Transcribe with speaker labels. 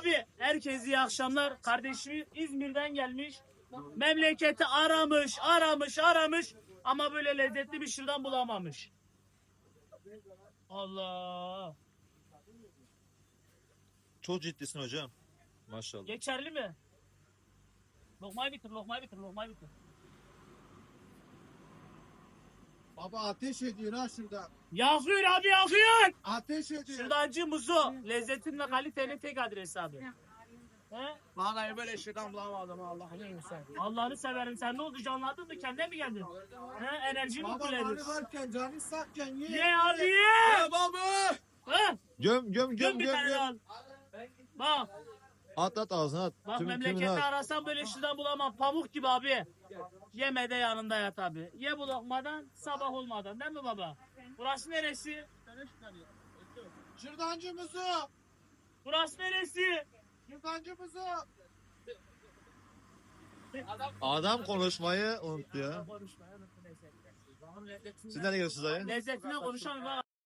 Speaker 1: Abi herkese iyi akşamlar. Kardeşimi İzmir'den gelmiş. Memleketi aramış ama böyle lezzetli bir şırdan bulamamış. Allah.
Speaker 2: Çok ciddisin hocam. Maşallah.
Speaker 1: Geçerli mi? Lokmayı bitir. Lokmayı bitir.
Speaker 3: Baba ateş ediyor ha şurada.
Speaker 1: Yakıyor abi yakıyor.
Speaker 3: Ateş ediyor.
Speaker 1: Şırdancı Muzo. Lezzetin ve kalitenin tek adresi abi. He?
Speaker 3: Vallahi böyle şırdan bulamadım Allah'ını sen.
Speaker 1: Allah'ını severim. Sen ne oldu canlandın mı? Kendine mi geldin? He? Enerji mi
Speaker 3: Baba
Speaker 1: kullanıyorsun?
Speaker 3: bari varken canı sakken ye.
Speaker 1: Ye abi ye.
Speaker 3: Ya baba.
Speaker 1: He?
Speaker 2: Göm göm
Speaker 1: Göm
Speaker 2: göm
Speaker 1: bir
Speaker 2: göm
Speaker 1: tane
Speaker 2: göm.
Speaker 1: al. Bak.
Speaker 2: At ağzına at.
Speaker 1: Bak
Speaker 2: Tümünü
Speaker 1: memlekette
Speaker 2: at.
Speaker 1: arasam böyle şırdan bulamam. Pamuk gibi abi. Yeme de yanında yat abi. Ye bu lokmadan sabah olmadan değil mi baba? Burası neresi?
Speaker 3: Şırdancımızı.
Speaker 1: Burası neresi?
Speaker 3: Şırdancımızı.
Speaker 2: Adam konuşmayı unuttu ya.
Speaker 1: Konuşma.
Speaker 2: Siz nereye gidiyorsunuz dayı?
Speaker 1: Lezzetine konuşalım.